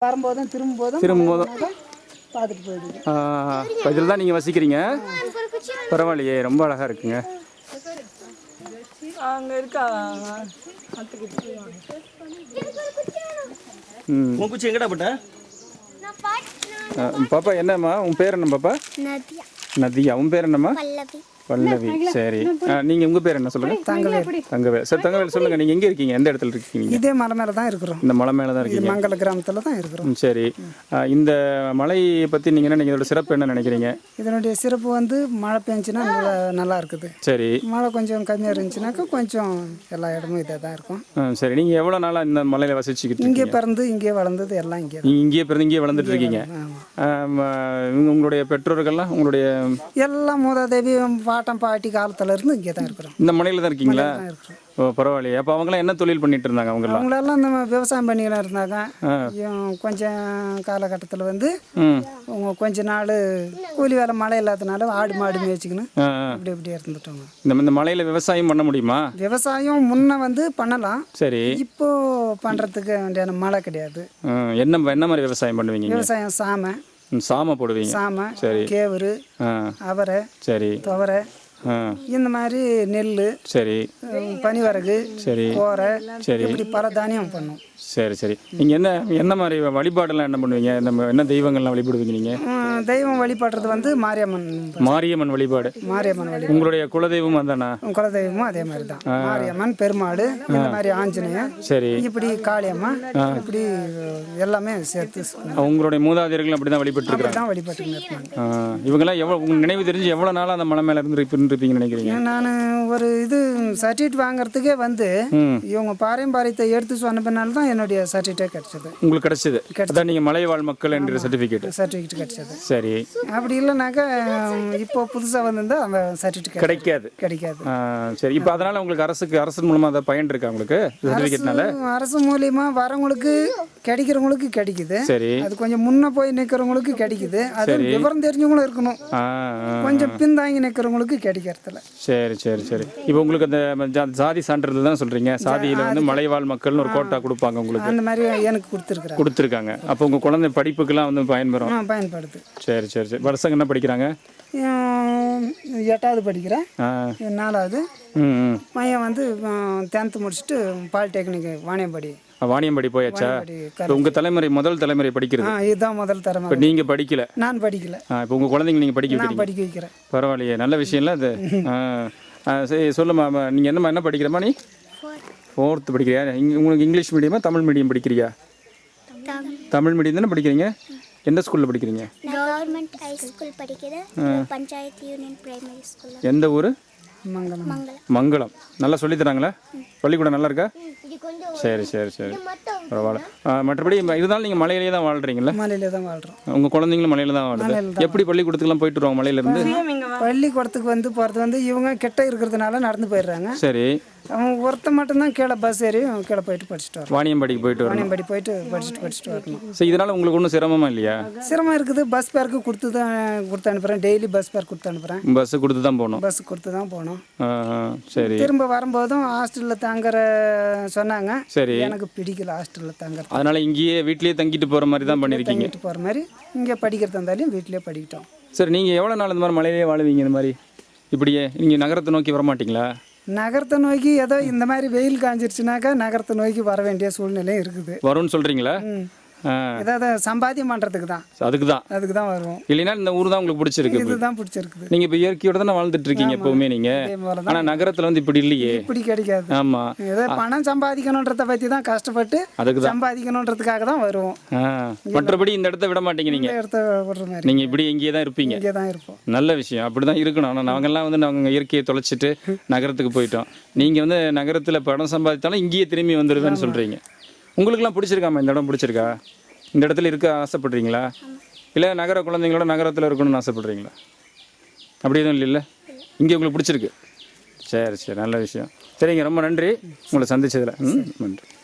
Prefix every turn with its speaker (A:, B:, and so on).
A: வரும்போதும் திரும்பும்போதும் பார்த்துட்டு போயிடுது.
B: இதில் தான் நீங்கள் வசிக்கிறீங்க? பரவாயில்லையே, ரொம்ப அழகாக இருக்குங்க.
A: அங்கே இருக்கா
C: குச்சி எங்கடா போட்ட?
B: பாப்பா என்னம்மா உன் பேர் என்ன பாப்பா? நதியா. உன் பேர் என்னம்மா? பல்லவி. சரி, நீங்கள் உங்கள் பேர் என்ன சொல்லுங்கள்? தங்கவேல். சார் தங்கவேல் சொல்லுங்கள், நீங்கள் எங்கே இருக்கீங்க? எந்த இடத்துல இருக்கீங்க?
A: இதே மலை மேலே தான் இருக்கிறோம்.
B: இந்த மலை மேலே தான் இருக்கீங்க?
A: மங்கள கிராமத்தில் தான் இருக்கிறோம்.
B: சரி, இந்த மலையை பற்றி நீங்கள் என்ன நினைக்கிறீங்க? இதோட சிறப்பு என்ன நினைக்கிறீங்க?
A: இதனுடைய சிறப்பு வந்து மழை பெஞ்சுன்னா நல்லா இருக்குது.
B: சரி,
A: மழை கொஞ்சம் கம்மியாக இருந்துச்சுனாக்கா கொஞ்சம் எல்லா இடமும் இதாக தான் இருக்கும்.
B: சரி, நீங்கள் எவ்வளோ நாளாக இந்த மலையில் வசிச்சுக்கிட்டு?
A: இங்கே பிறந்து இங்கே வளர்ந்தது எல்லாம் இங்கே.
B: நீங்கள் இங்கேயே பிறந்து இங்கேயே வளர்ந்துட்டு இருக்கீங்க? உங்களுடைய பெற்றோர்கள்லாம் உங்களுடைய
A: எல்லாம் மூதாதேவி பாட்டம் பாட்டி காலத்துல இருந்து இங்கே தான் இருக்கிறோம்.
B: இந்த மலையில தான் இருக்கீங்களா? ஓ பரவாயில்லையே. அப்போ அவங்களாம் என்ன தொழில் பண்ணிட்டு இருந்தாங்க?
A: அவங்களெல்லாம் இந்த விவசாயம் பண்ணிக்கலாம் இருந்தாங்க. கொஞ்சம் காலகட்டத்தில் வந்து கொஞ்ச நாள் கூலி வேலை மழை இல்லாதனால ஆடு மாடு மேய்ச்சிக்கணும் இப்படி இருந்துட்டோங்க.
B: இந்த மலையில விவசாயம் பண்ண முடியுமா?
A: விவசாயம் முன்ன வந்து பண்ணலாம்.
B: சரி, இப்போ
A: பண்றதுக்கு வேண்டிய மழை கிடையாது.
B: என்ன மாதிரி விவசாயம் பண்ணுவீங்க?
A: விவசாயம்
B: சாமை போடுவீங்க?
A: சாமை, கேவரு, அவரை, சரி, துவரை, இந்த மாதிரி நெல், சரி, பனிவரகு, சரி, கோரை, சரி, இப்படி பல தானியம் பண்ணும்.
B: சரி சரி. நீங்கள் என்ன மாதிரி வழிபாடெல்லாம் என்ன பண்ணுவீங்க? என்ன தெய்வங்கள்லாம் வழிபடுவீங்க நீங்கள்?
A: தெய்வம் வழிபடுறது வந்து மாரியம்மன் வழிபாடு.
B: உங்களுடைய குலதெய்வம் அதானா?
A: குலதெய்வமும் அதே மாதிரி தான். மாரியம்மன், பெருமாள், இந்த மாதிரி ஆஞ்சநேயர், சரி, இப்படி காளியம்மா, இப்படி எல்லாமே சேர்த்து
B: உங்களுடைய மூதாதையர்கள் அப்படி தான்
A: வழிபட்டு இருக்காங்க.
B: இவங்கெல்லாம் எவ்வளோ நினைவு தெரிஞ்சு எவ்வளோ நாளாக அந்த மலை மேலே இருப்பீங்கன்னு நினைக்கிறீங்க?
A: நான் ஒரு சர்டிஃபிகேட் வாங்குறதுக்கே வந்து இவங்க பாரம்பரியத்தை எடுத்து சொன்ன பின்னால் தான் என்னுடைய சர்டிஃபிகேட் கிடைச்சது.
B: உங்களுக்கு கிடைச்சது? அதான் நீங்கள் மலைவாழ் மக்கள் என்ற சர்டிஃபிகேட்
A: கிடைச்சது.
B: சரி,
A: அப்படி இல்லைனாக்கா இப்போ புதுசாக வந்திருந்தா அந்த சர்டிஃபிகேட் கிடைக்காது.
B: சரி, இப்போ அதனால உங்களுக்கு அரசு மூலமாக அதை பயன் இருக்கா உங்களுக்கு சர்டிஃபிகேட்னால?
A: அரசு மூலியமா வரவங்களுக்கு கிடைக்கிறவங்களுக்கு கிடைக்குது. சரி, அது கொஞ்சம் முன்ன போய் நிற்கிறவங்களுக்கு கிடைக்குது. அது விவரம் தெரிஞ்சவங்களும் இருக்கணும். கொஞ்சம் பின்தாங்கி நிற்கிறவங்களுக்கு கிடைக்கிறதுல.
B: சரி சரி சரி. இப்போ உங்களுக்கு அந்த சாதி சான்றிதழ் தான் சொல்கிறீங்க. சாதியில் வந்து மலைவாழ் மக்கள்னு ஒரு கோட்டா கொடுப்பாங்க உங்களுக்கு.
A: அந்த மாதிரி எனக்கு
B: கொடுத்துருக்காங்க. அப்போ உங்கள் குழந்தை படிப்புக்கெல்லாம் வந்து
A: பயன்படுது.
B: சரி சரி சரி. வருஷங்க என்ன படிக்கிறாங்க?
A: 8வது படிக்கிறேன். 4வது பையன் வந்து 10th முடிச்சுட்டு பாலிடெக்னிக் வாணியம்பாடி
B: போயாச்சா? உங்க தலைமுறை முதல் தலைமுறை படிக்கிறது
A: இதுதான் முதல் தலைமுறை.
B: இப்போ நீங்க படிக்கல?
A: நான் படிக்கல.
B: இப்போ உங்க குழந்தைங்க நீங்க படிக்க
A: வைக்கிறேன்.
B: பரவாயில்லையே, நல்ல விஷயம் இல்லை அது? சரி சொல்லுமா, நீங்க என்ன படிக்கிறமா? நீ 4th படிக்கிறியா? உங்களுக்கு இங்கிலீஷ் மீடியமா தமிழ் மீடியம் படிக்கிறியா? தமிழ் மீடியம் தானே படிக்கிறீங்க? எந்த ஸ்கூல்ல படிக்கிறீங்க?
D: கவர்மெண்ட் ஹை ஸ்கூல் படிக்கிறேன். Panchayat union primary school.
B: எந்த ஊர்?
D: மங்களம்.
B: நல்லா சொல்லி தராங்களா? பள்ளிக்கூடம் நல்லா இருக்கா? சரி சரி சரி, பரவாயில்ல. மற்றபடி இருந்தாலும் நீங்கள் மலையிலே தான் வாழ்கிறீங்களா?
A: மலையிலே தான் வாழ்கிறோம்.
B: உங்கள் குழந்தைங்களும் மலையில தான் வாழ்றது. எப்படி பள்ளிக்கூடத்துக்குலாம் போயிட்டு வருவாங்க மலையிலேருந்து?
A: பள்ளிக்கூடத்துக்கு போகிறது வந்து இவங்க கிட்ட இருக்கிறதுனால நடந்து போயிடுறாங்க.
B: சரி,
A: அவங்க ஒருத்த மட்டும்தான் கீழே பஸ் ஏறி கீழே போயிட்டு படிச்சுட்டு வரோம்.
B: வாணியம்பாடிக்கு போயிட்டு
A: படிச்சுட்டு வரணும்.
B: சரி, இதனால் உங்களுக்கு ஒன்றும் சிரமமா இல்லையா?
A: சிரமம் இருக்குது. பஸ் பேருக்கு கொடுத்து அனுப்புகிறேன். டெய்லி பஸ் பேர் கொடுத்து அனுப்புகிறேன்.
B: பஸ் கொடுத்து தான் போகணும். சரி,
A: திரும்ப வரும்போதும் ஹாஸ்டலில் தங்குற சொன்னாங்க. சரி, எனக்கு பிடிக்கல ஹாஸ்டலில் தங்குற.
B: அதனால இங்கேயே வீட்லேயே தங்கிட்டு போகிற மாதிரி தான் பண்ணியிருக்கீங்க?
A: போகிற மாதிரி இங்கே படிக்கிறதா இருந்தாலும் வீட்லேயே படிக்கிட்டோம்.
B: சரி, நீங்கள் எவ்வளோ நாள் இந்த மாதிரி மலையிலே வாழுவீங்க? இந்த மாதிரி இப்படியே நீங்கள் நகரத்தை நோக்கி வரமாட்டிங்களா?
A: நகரத்தை நோக்கி ஏதோ இந்த மாதிரி வெயில் காஞ்சிருச்சுனாக்கா நகரத்தை நோக்கி வர வேண்டிய சூழ்நிலையும் இருக்குது.
B: வரும்னு சொல்கிறீங்களா?
A: ஏதாவது சம்பாத்தியம் பண்ணுறதுக்கு தான். அதுக்கு தான் வருவோம்.
B: இல்லைன்னா இந்த ஊர் தான் உங்களுக்கு பிடிச்சிருக்கு?
A: இதுதான் பிடிச்சிருக்குது.
B: நீங்கள் இப்போ இயற்கையோட தானே வாழ்ந்துட்டு இருக்கீங்க எப்போவுமே நீங்கள். ஆனால் நகரத்தில் வந்து இப்படி இல்லையே.
A: இப்படி கிடைக்காது.
B: ஆமாம்,
A: ஏதோ பணம் சம்பாதிக்கணுன்றதை பற்றி தான் கஷ்டப்பட்டு அதுக்கு சம்பாதிக்கணுன்றதுக்காக தான் வருவோம்.
B: மற்றபடி இந்த இடத்த விட மாட்டீங்க நீங்கள்.
A: இடத்த விடுற மாதிரி
B: நீங்கள் இப்படி இங்கேயே தான் இருப்பீங்க.
A: இங்கே தான் இருப்போம்.
B: நல்ல விஷயம், அப்படி தான் இருக்கணும். ஆனால் நாங்கள்லாம் வந்து நாங்கள் இயற்கையை தொலைச்சிட்டு நகரத்துக்கு போயிட்டோம். நீங்கள் வந்து நகரத்தில் பணம் சம்பாதித்தாலும் இங்கேயே திரும்பி வந்துடுவேன்னு சொல்கிறீங்க. உங்களுக்குலாம் பிடிச்சிருக்காமா? இந்த இடம் பிடிச்சிருக்கா? இந்த இடத்துல இருக்க ஆசைப்படுறீங்களா? இல்லை நகர குழந்தைங்களோட நகரத்தில் இருக்கணும்னு ஆசைப்படுறீங்களா? அப்படி எதுவும் இல்லை? இங்கே உங்களுக்கு பிடிச்சிருக்கு? சரி சரி, நல்ல விஷயம். சரிங்க, ரொம்ப நன்றி உங்களை சந்திச்சதில். நன்றி.